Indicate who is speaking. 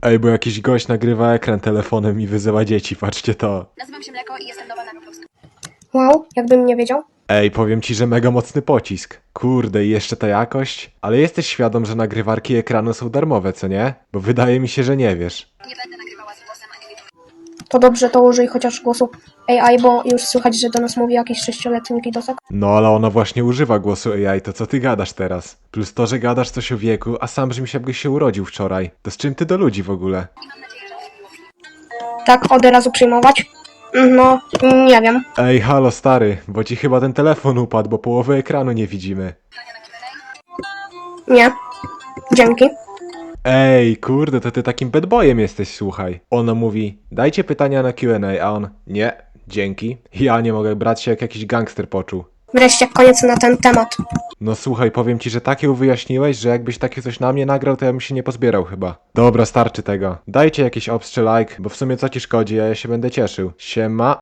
Speaker 1: Ej, bo jakiś gość nagrywa ekran telefonem i wyzywa dzieci, patrzcie to.
Speaker 2: Nazywam się Mleko i jestem nowa na Roblox.
Speaker 3: Wow, jakbym nie wiedział.
Speaker 1: Ej, powiem ci, że mega mocny pocisk. Kurde, i jeszcze ta jakość? Ale jesteś świadom, że nagrywarki ekranu są darmowe, co nie? Bo wydaje mi się, że nie wiesz.
Speaker 2: Nie będę nagrywała z głosem ani wideo.
Speaker 3: To dobrze, to użyj chociaż głosu AI, bo już słychać, że do nas mówi jakiś 6-letni kidosek.
Speaker 1: No, ale ona właśnie używa głosu AI, to co ty gadasz teraz? Plus to, że gadasz coś o wieku, a sam brzmisz jakbyś się urodził wczoraj. To z czym ty do ludzi w ogóle?
Speaker 2: I mam nadzieję, że się miło przyjdzie.
Speaker 3: Tak, od razu przyjmować? No, nie wiem.
Speaker 1: Ej, halo stary, bo ci chyba ten telefon upadł, bo połowy ekranu nie widzimy.
Speaker 2: Pytania na Q&A?
Speaker 3: Nie. Dzięki.
Speaker 1: Ej, kurde, to ty takim bad boyem jesteś, słuchaj. Ona mówi, dajcie pytania na Q&A, a on, nie, dzięki. Ja nie mogę brać się jak jakiś gangster poczuł.
Speaker 3: Wreszcie koniec na ten temat.
Speaker 1: No słuchaj, powiem ci, że takie wyjaśniłeś, że jakbyś takie coś na mnie nagrał, to ja bym się nie pozbierał chyba. Dobra, starczy tego. Dajcie jakiś obstrze like, bo w sumie co ci szkodzi, a ja się będę cieszył. Siema.